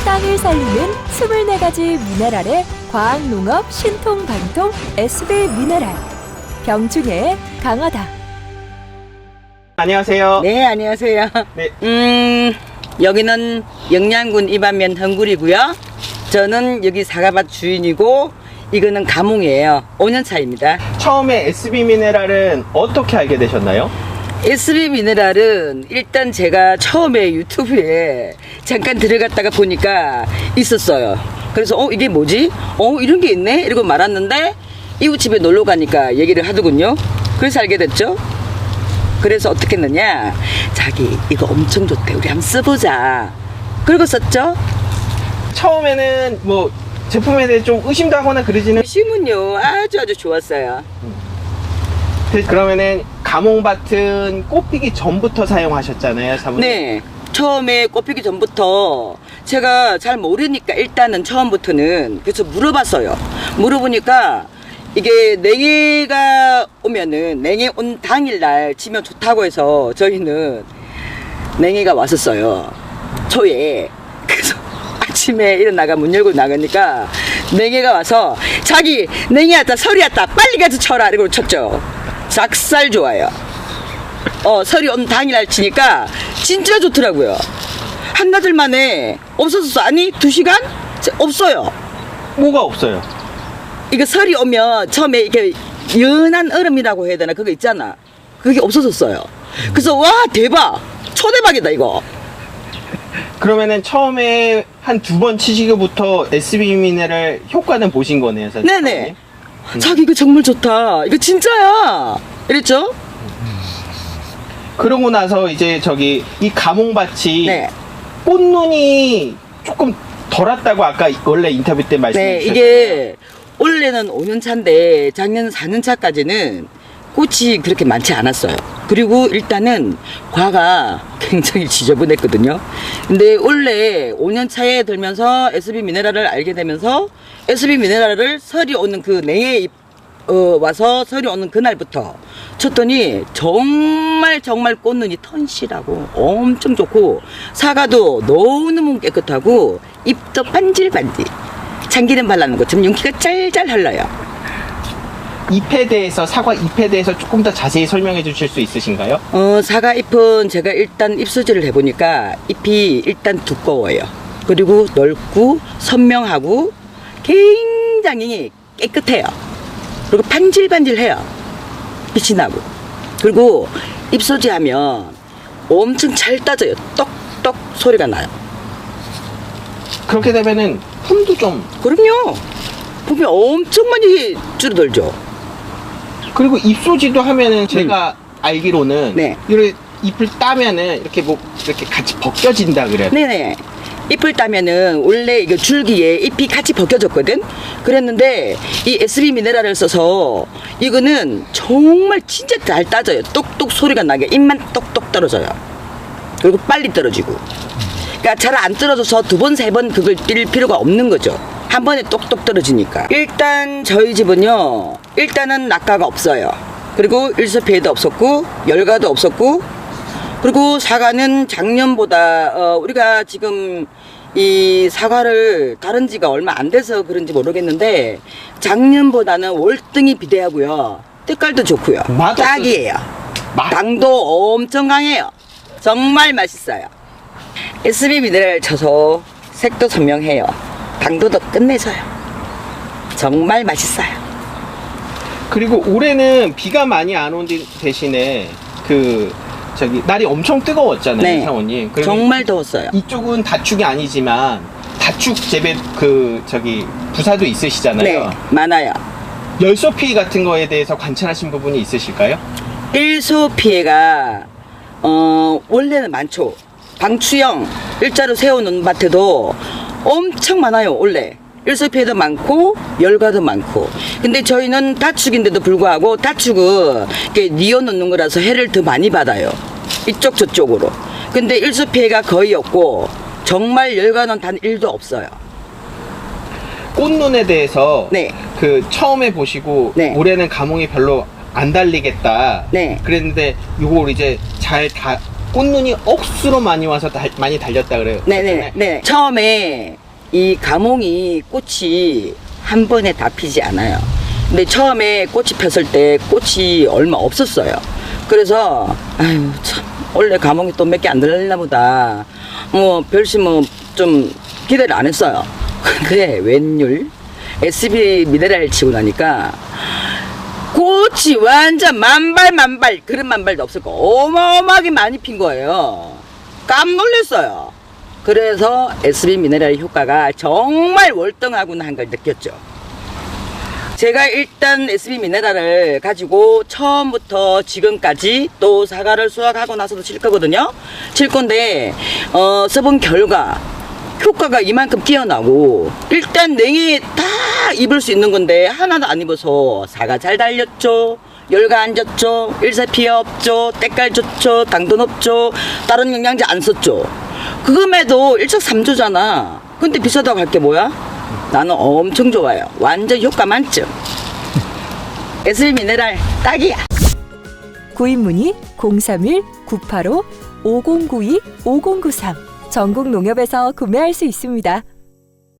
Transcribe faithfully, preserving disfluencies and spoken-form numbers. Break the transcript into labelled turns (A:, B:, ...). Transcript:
A: 땅을 살리는 스물네 가지 미네랄의 과학농업 신통방통 에스비 미네랄. 병충해에 강하다.
B: 안녕하세요.
C: 네, 안녕하세요.
B: 네.
C: 음, 여기는 영양군 이반면 헝굴이고요. 저는 여기 사과밭 주인이고, 이거는 가몽이에요. 오 년 차입니다.
B: 처음에 에스비 미네랄은 어떻게 알게 되셨나요?
C: 에스비 미네랄은 일단 제가 처음에 유튜브에 잠깐 들어갔다가 보니까 있었어요. 그래서 어 이게 뭐지? 어 이런 게 있네? 이러고 말았는데 이웃집에 놀러 가니까 얘기를 하더군요. 그래서 알게 됐죠. 그래서 어떻게 했느냐, 자기 이거 엄청 좋대, 우리 한번 써보자. 그러고 썼죠.
B: 처음에는 뭐 제품에 대해 좀 의심도 하거나 그러지는.
C: 심은요 아주 아주 좋았어요.
B: 그러면은 가몽밭은 꽃피기 전부터 사용하셨잖아요, 사모님.
C: 네, 처음에 꽃피기 전부터 제가 잘 모르니까 일단은 처음부터는 그래서 물어봤어요. 물어보니까 이게 냉해가 오면은, 냉해 온 당일날 치면 좋다고 해서 저희는 냉해가 왔었어요, 초에. 그래서 아침에 일어나가 문 열고 나가니까 냉해가 와서 자기 냉해 왔다, 설이 왔다, 빨리 가서 쳐라 이러고 쳤죠. 작살 좋아요. 어, 설이 온 당일날 치니까 진짜 좋더라고요. 한나절 만에 없어졌어. 아니 두 시간? 없어요.
B: 뭐가 없어요?
C: 이거 설이 오면 처음에 이렇게 연한 얼음이라고 해야 되나, 그거 있잖아. 그게 없어졌어요. 그래서 와 대박, 초대박이다 이거.
B: 그러면은 처음에 한 두 번 치시고부터 에스비 미네랄 효과는 보신 거네요, 사실.
C: 네네. 자기 이거 정말 좋다, 이거 진짜야 이랬죠.
B: 그러고 나서 이제 저기 이 가몽밭이
C: 네.
B: 꽃눈이 조금 덜 왔다고 아까 원래 인터뷰 때 말씀해
C: 네,
B: 주셨잖아요.
C: 이게 올해는 오 년 차인데 작년 사 년 차까지는 꽃이 그렇게 많지 않았어요. 그리고 일단은 과가 굉장히 지저분했거든요. 근데 원래 오 년 차에 들면서 에스비 미네랄을 알게 되면서 에스비 미네랄을 설이 오는 그 냉해 어, 와서 설이 오는 그날부터 쳤더니 정말 정말 꽃눈이 턴실하고 엄청 좋고, 사과도 너무너무 깨끗하고 잎도 반질반질, 참기름 발라놓은 것처럼 윤기가 짤짤 흘러요.
B: 잎에 대해서, 사과 잎에 대해서 조금 더 자세히 설명해 주실 수 있으신가요?
C: 어, 사과 잎은 제가 일단 잎수지를 해보니까 잎이 일단 두꺼워요. 그리고 넓고 선명하고 굉장히 깨끗해요. 그리고 반질반질해요. 빛이 나고. 그리고 잎소지 하면 엄청 잘 따져요. 똑똑 소리가 나요.
B: 그렇게 되면은 품도 좀,
C: 그럼요. 보면 엄청 많이 줄어들죠.
B: 그리고 잎소지도 하면은 제가 알기로는
C: 네.
B: 이렇게 잎을 따면은 이렇게 뭐 이렇게 같이 벗겨진다 그래요.
C: 네네. 잎을 따면은 원래 이거 줄기에 잎이 같이 벗겨졌거든. 그랬는데 이 에스비 미네랄을 써서 이거는 정말 진짜 잘 따져요. 똑똑 소리가 나게 잎만 똑똑 떨어져요. 그리고 빨리 떨어지고. 그러니까 잘 안 떨어져서 두 번, 세 번 그걸 뛸 필요가 없는 거죠. 한 번에 똑똑 떨어지니까. 일단 저희 집은요, 일단은 낙과가 없어요. 그리고 일소피해도 없었고 열과도 없었고, 그리고 사과는 작년보다 어, 우리가 지금 이 사과를 다른 지가 얼마 안 돼서 그런지 모르겠는데 작년보다는 월등히 비대하고요, 색깔도 좋고요,
B: 맛
C: 딱이에요.
B: 맛?
C: 당도 엄청 강해요. 정말 맛있어요. 에스비 미네랄 쳐서 색도 선명해요. 당도도 끝내줘요. 정말 맛있어요.
B: 그리고 올해는 비가 많이 안 온 대신에 그 저기 날이 엄청 뜨거웠잖아요,
C: 네.
B: 사모님.
C: 정말 더웠어요.
B: 이쪽은 다축이 아니지만 다축 재배 그 저기 부사도 있으시잖아요.
C: 네, 많아요.
B: 열소 피해 같은 거에 대해서 관찰하신 부분이 있으실까요?
C: 일소 피해가 어 원래는 많죠. 방추형 일자로 세우는 밭에도 엄청 많아요. 원래 일소 피해도 많고 열과도 많고. 근데 저희는 다축인데도 불구하고, 다축은 이렇게 뉘어 놓는 거라서 해를 더 많이 받아요, 이쪽 저쪽으로. 근데 일소 피해가 거의 없고 정말 열과는 단 일도 없어요.
B: 꽃눈에 대해서
C: 네.
B: 그 처음에 보시고
C: 네.
B: 올해는 가몽이 별로 안 달리겠다.
C: 네.
B: 그랬는데 요걸 이제 잘 다 꽃눈이 억수로 많이 와서 달- 많이 달렸다 그래요.
C: 네네. 네. 처음에 이 가몽이 꽃이 한 번에 다 피지 않아요. 근데 처음에 꽃이 폈을 때 꽃이 얼마 없었어요. 그래서 아유 참 원래 가몽이 또 몇 개 안 달렸나 보다. 뭐 별심 뭐 좀 기대를 안 했어요. 근데 웬율 에스비 미네랄 치고 나니까 꽃이 완전 만발 만발 그런 만발도 없었고 어마어마하게 많이 핀 거예요. 깜놀랐어요. 그래서 에스비 미네랄 효과가 정말 월등하구나 한 걸 느꼈죠. 제가 일단 에스비 미네랄을 가지고 처음부터 지금까지 또 사과를 수확하고 나서도 칠 거거든요. 칠 건데 어, 써본 결과 효과가 이만큼 뛰어나고 일단 냉이 다 입을 수 있는 건데 하나도 안 입어서 사과 잘 달렸죠. 열가 안 졌죠. 일사피해 없죠. 때깔 좋죠. 당도 높죠. 다른 영양제 안 썼죠. 그금에도 일석삼조잖아. 근데 비싸다고 할 게 뭐야? 나는 엄청 좋아요. 완전 효과 만점. 에스비 미네랄 딱이야.
A: 구입 문의 공삼일 구팔오 오공구이 오공구삼 전국 농협에서 구매할 수 있습니다.